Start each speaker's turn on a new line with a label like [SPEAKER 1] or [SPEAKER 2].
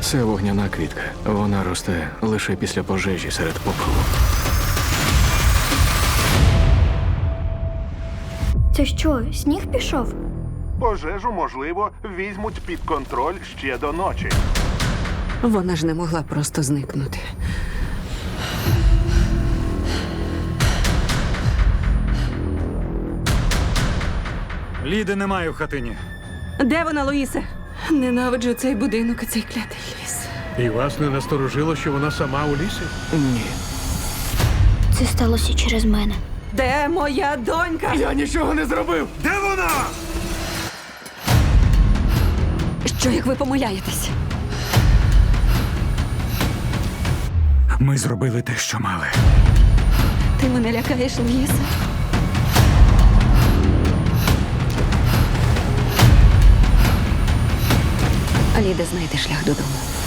[SPEAKER 1] Це вогняна квітка. Вона росте лише після пожежі серед попелу.
[SPEAKER 2] Це що, сніг пішов?
[SPEAKER 3] Пожежу, можливо, візьмуть під контроль ще до ночі.
[SPEAKER 4] Вона ж не могла просто зникнути.
[SPEAKER 5] Ліди немає в хатині.
[SPEAKER 4] Де вона, Луїсе? Ненавиджу цей будинок і цей клятий ліс.
[SPEAKER 6] І вас не насторожило, що вона сама у лісі?
[SPEAKER 1] Ні.
[SPEAKER 2] Це сталося через мене.
[SPEAKER 4] Де моя донька?
[SPEAKER 1] Я нічого не зробив!
[SPEAKER 5] Де вона?
[SPEAKER 4] Що, як ви помиляєтесь?
[SPEAKER 5] Ми зробили те, що мали.
[SPEAKER 4] Ти мене лякаєш, Луїсе? Ліда знайде шлях додому.